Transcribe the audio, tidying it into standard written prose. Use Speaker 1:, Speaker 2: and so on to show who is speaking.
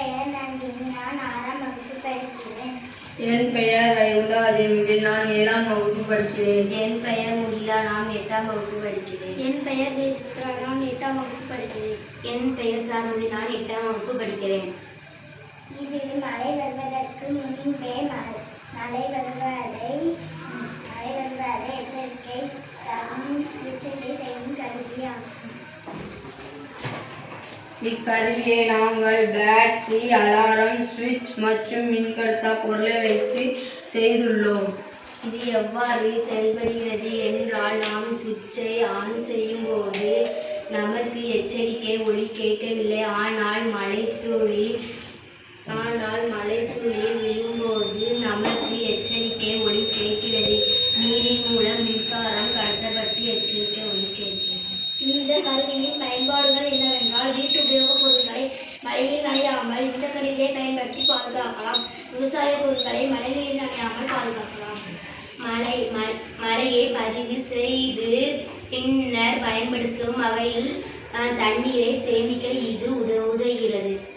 Speaker 1: பெயர் நந்தினி. நான் 6ஆம் வகுப்பு படிக்கிறேன்.
Speaker 2: என் பெயர் வைகுண்டா தேவிகை. நான் 7ஆம் வகுப்பு படிக்கிறேன்.
Speaker 3: என் பெயர் முகிலா. நான் 8ஆம் வகுப்பு படிக்கிறேன்.
Speaker 1: என் பெயர் ஜெயசித்ரா. நான் 8ஆம் வகுப்பு படிக்கிறேன்.
Speaker 3: என் பெயர் சாருதி. நான் 8ஆம் வகுப்பு படிக்கிறேன்.
Speaker 1: இது மழை வருவதற்கு முன்பே மழை வருவதை எச்சரிக்கை செய்யும் கருவியாகும்.
Speaker 2: இக்கருவியை நாங்கள் பேட்டரி, அலாரம், சுவிட்ச் மற்றும் மின்கடத்தா பொருளை வைத்து செய்துள்ளோம்.
Speaker 3: இது எவ்வாறு செயல்படுகிறது என்றால், நாம் சுவிட்சை ஆன் செய்யும் போது நமக்கு எச்சரிக்கை ஒலி கேட்கவில்லை. ஆனால் மழைத்துளி விழும்போது நமக்கு எச்சரிக்கை ஒலி கேட்கிறது. நீரின் மூலம் மின்சாரம் கடத்தப்பட்டு எச்சரிக்கை ஒலி கேட்கிறது.
Speaker 1: இந்த கருவியின் பயன்பாடுகள் என்னவென்றால், வீட்டு உபயோகப் பொருட்களை மழையில் நனையாமல் இந்த கருவியை பயன்படுத்தி பாதுகாக்கலாம். விவசாய பொருட்களை மழைநீரில் நனையாமல் பாதுகாக்கலாம்.
Speaker 3: மழையை பதிவு செய்து பின்னர் பயன்படுத்தும் வகையில் தண்ணீரை சேமிக்க இது உதவுகிறது.